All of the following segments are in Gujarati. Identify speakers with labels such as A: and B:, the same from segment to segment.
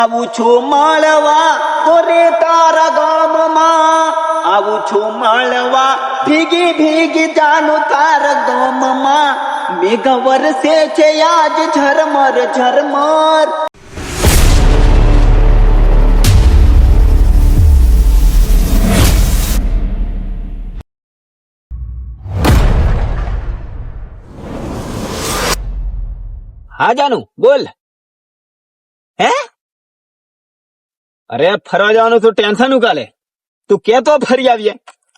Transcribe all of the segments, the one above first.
A: આવું છું માળવા ગોરે તારા ગામમાં, આવું છું માળવા ભીગી ભીગી જાનું તારા ગામમાં, મેઘ વરસે છે આજ ઝરમર ઝરમર.
B: હા જાનુ બોલ. હે અરે ફરવા જવાનું તું ટેન્શન ઉકાલે, તું કેતો ફરી આવીએ.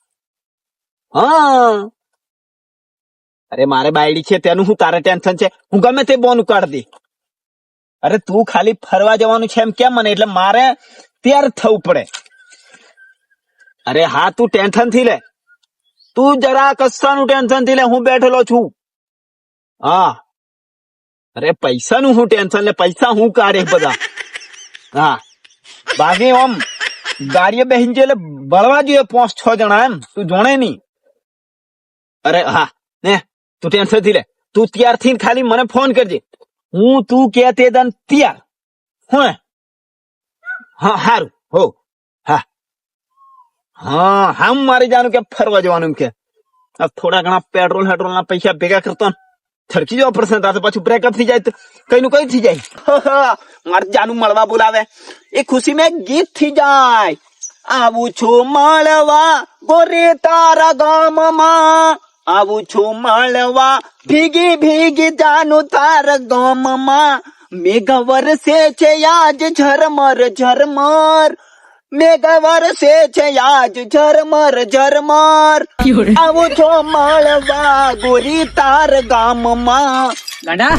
B: હા અરે મારે બાયડી છે તેનું હું તારે ટેન્શન છે, હું ગમે તે બોન ઉકાળ દે. અરે તું ખાલી ફરવા જવાનું છે એમ કેમ મને, એટલે મારે તૈયાર થવું પડે. અરે હા તું ટેન્શન થી લે, તું જરા કશાનું ટેન્શન થી લે, હું બેઠેલો છું. હા અરે પૈસાનું હું ટેન્શન લે, પૈસા હું કાઢે બધા. હા બાકી આમ ગાડીએ બેહીને એટલે બળવા જોઈએ 5-6 જણા એમ, તું જોણે નહી. અરે હા ને તું ટેન્શન થી લે, તું તૈયાર થઈને ખાલી મને ફોન કરજે, હું તું કે તે દન તૈયાર. હું હા હારું હો. હા હા હા હું મારી જાનું કે ફરવા જવાનું કે થોડા ઘણા પેટ્રોલ ના પૈસા ભેગા કરતો ને થડકી જવા પડશે, તાર પાછું બ્રેકઅપ થઈ જાય તો કઈ નું કઈ થઈ જાય. મારે જાનું મળવા બોલાવે એ ખુશી મેં ગીત થઈ જાય. આવું છું મળવા ગોરે તારા ગામમાં, આવું છું મળવા ભીગી ભીગી જાનું તારા ગામમાં, મેઘ વરસે છે આજ ઝરમર ઝરમર, મેઘ વરસે છે આજ ઝરમર ઝરમર, આવું છો મળવા ગોરી તાર ગામમાં.
C: ગાંડા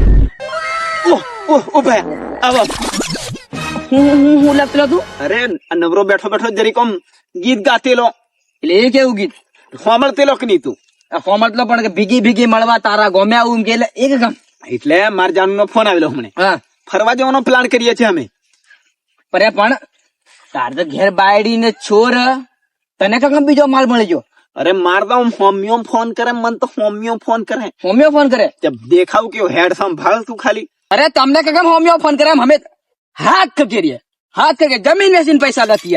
B: ઉભા આવો.
C: હું લખતો તું
B: અરે નવરો બેઠો બેઠો જરીક આમ ગીત ગાતેલો,
C: એટલે એ કેવું ગીત
B: સાંભળતેલો કે નહીં તું?
C: ફોર્મટલો પણ કે ભીગી ભીગી મળવા તારા ગોમે આવું એમ કે એટલે એક કામ.
B: એટલે માર જાનુ નો ફોન આવેલો હમણે,
C: હા
B: ફરવા જવાનો પ્લાન કરીએ છીએ અમે.
C: પણ તાર તો ઘેર બાયડી ને છોર, તને કામ બીજો માલ મળી ગયો.
B: અરે માર તો હોમિયો ફોન કરે, મન તો હોમિયો ફોન કરે.
C: હોમિયો ફોન કરે?
B: જબ દેખાવ કેવો હેડ સંભાળ તું ખાલી.
C: અરે તમને કામ હોમિયો ફોન કરે, અમે હાથ ખકેરીએ, હાથ ખકે જમીન વેચીને પૈસા નથી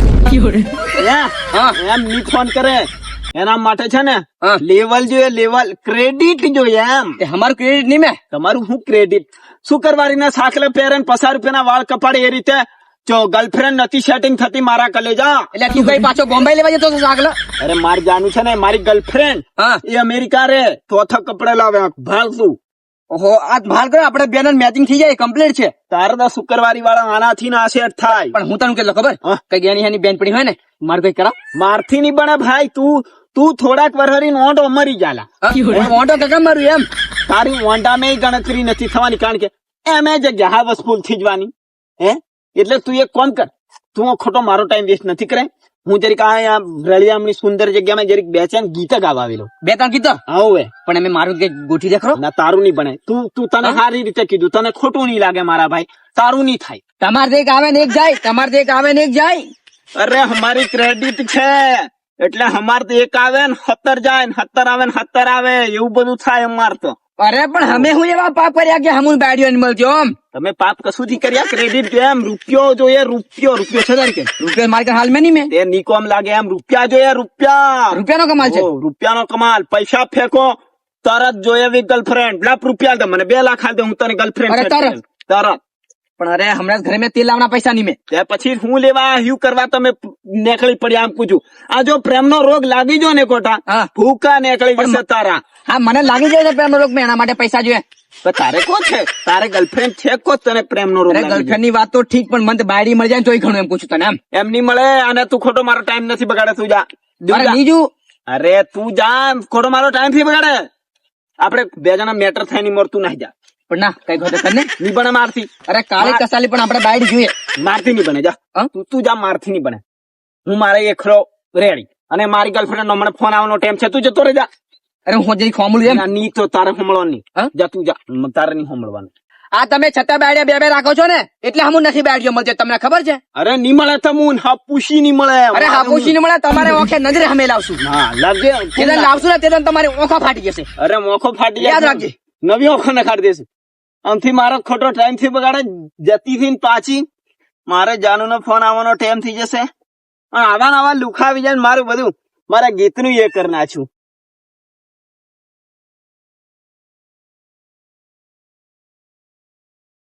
C: યાર.
B: હા એમ ની ફોન કરે, એના માટે છે ને
C: હા.
B: લેવલ જોઈએ, લેવલ ક્રેડિટ જોઈએ એમ.
C: તે અમારું ક્રેડિટ નહીં મેં.
B: તમારું શું ક્રેડિટ? શુક્રવારી ના સાકલે પહેરે ને 50 રૂપિયાના વાળ કપાડે એ રીતે જો ગર્લફ્રેન્ડ નથી સેટિંગ થતી મારા કલેજા.
C: એટલે તું કઈ પાછો બોમ્બે લેવા જતો હતો આગળ?
B: અરે માર જાનું છે ને મારી ગર્લફ્રેન્ડ
C: હા
B: એ અમેરિકા રે, ચોથા કપડે લાવે ભાલતું.
C: ઓહો આ ભાલ કરો, આપણે બેન મેચિંગ થઈ જાય, કમ્પ્લીટ છે.
B: તારે તો શુક્રવારી વાળા આનાથી ના સેટ થાય.
C: પણ હું તને કેટલો ખબર,
B: હા.
C: કઈ જ્ઞાની હાની બેન પડી હોય ને મારે કઈ કરાવ.
B: મારથી નહીં બને ભાઈ, તું થોડાક વરહરી નોંધો મરી જાલા.
C: ઓટો કાકા મારું એમ.
B: તારી વોંડામાં ગણતરી નથી થવાની, કારણ કે એમ એ જગ્યા હાવસફુલ થઈ જવાની. હે એટલે તું એક કોમ કર, તું ખોટો મારો ટાઈમ વેસ્ટ નથી કરે. હું જરીક આ રળિયામણી સુંદર જગ્યામાં જરીક બેચેન ગીત ગાવા આવેલો.
C: 2-3 ગીતો
B: હવે
C: પણ અમે મારું કઈ ગોઠવી દે ખરો.
B: ના તારું નહીં બને, તું તને સારી રીતે કીધું, તને ખોટું નહીં લાગે મારા ભાઈ, તારું નહીં થાય.
C: તમારે તો એક આવે ને એક જાય, તમારે તો એક આવે ને એક જાય.
B: અરે અમારી ક્રેડિટ છે એટલે અમારે તો એક આવે ને 17 જાય ને 17 આવે ને 17 આવે, એવું બધું થાય અમાર તો.
C: અરે પણ અમે હું એવા પાપ કર્યા કે હમું બાડીઓ ને મળજો આમ.
B: તમે પાપ કશું થી કર્યા? ક્રેડિટ જોઈએ એમ, રૂપિયો જોઈએ, રૂપિયો છે તારી કે
C: રૂપિયા મારે હાલ में नहीं में
B: તે નીકોમ લાગે એમ. રૂપિયા જોઈએ, રૂપિયા.
C: રૂપિયાનો કમાલ છે.
B: રૂપિયાનો કમાલ. પૈસા ફેંકો તરત જોઈએ એવી ગર્લફ્રેન્ડ. લાખ રૂપિયા દે મને, 2 લાખ આલ દે, હું તને ગર્લફ્રેન્ડ
C: અરે તરત. પણ અરે હમણાં ઘરે મેં તેલ લાવવાના પૈસા નહીં મેં.
B: તે પછી હું લેવા હ્યુ કરવા તમે નીકળી પડ્યા? આમ પૂછું, આ જો પ્રેમનો રોગ લાગી જો ને કોટા,
C: હા.
B: ભૂકા નીકળી જશે તારા.
C: હા મને લાગી જાય છે પ્રેમનો રોગ, મેં એના માટે પૈસા જોઈએ.
B: તો તારે કો છે? તારે ગર્લફ્રેન્ડ છે કો તને પ્રેમનો રોગ
C: અરે
B: લાગી જાય?
C: ગર્લફ્રેન્ડ ની વાત તો ઠીક, પણ મને તો બાયડી મળી જાય ને તોય ઘણું એમ પૂછું તને એમ.
B: એમ નહીં મળે, અને તું ખોટો મારો ટાઈમ નથી બગાડે. તું જા.
C: અરે બીજું
B: અરે તું જા, ખોટો મારો ટાઈમ થી બગાડે. આપડે 2 જણા મેટર થાય નહીં મળતું નહીં. જા.
C: પણ ના કઈ ખોટે કર ને.
B: નહીં બને મારથી.
C: અરે કાલે કસાલી પણ આપણે બાયડી જોઈએ.
B: મારથી નહીં બને. જા.
C: હા?
B: તું જા, મારથી નહીં બને. હું મારે એકલો રેડી, અને મારી ગર્લફ્રેન્ડ નો મને ફોન આવવાનો ટાઈમ છે, તું જતો રહે. જા.
C: અરે હું જઈ ખોમલું એમ.
B: નહીં તો તારે હોમળવાનું નહીં.
C: હા?
B: જા તું જા, તારે નહીં હોમળવાનું.
C: આ તમે છતાં બાયડિયા 2-2 રાખો છો ને એટલે હમું નથી બાયડીઓ મળતી, તમને ખબર છે?
B: અરે નહીં મળે તમુન, હાપુસી નહીં મળે.
C: અરે હાપુસી ને મળે, તમારે ઓંખે નજરે અમે લાવશું.
B: હા લાવજે.
C: જેને લાવશું ને તેને તમારી ઓંખો ફાટી જશે.
B: અરે મોખો ફાટી
C: યાદ રાખજે.
B: નવી ઓખો નખાડી દેશે. આમથી મારો ખોટો ટાઈમ થી બગાડે, જતી થી પાછી મારે જાનુનો ફોન આવવાનો ટાઈમ થઈ જશે. પણ આવા લુખા આવી જાય ને મારું બધું મારા ગીતનું એ કરી નાખ્યું.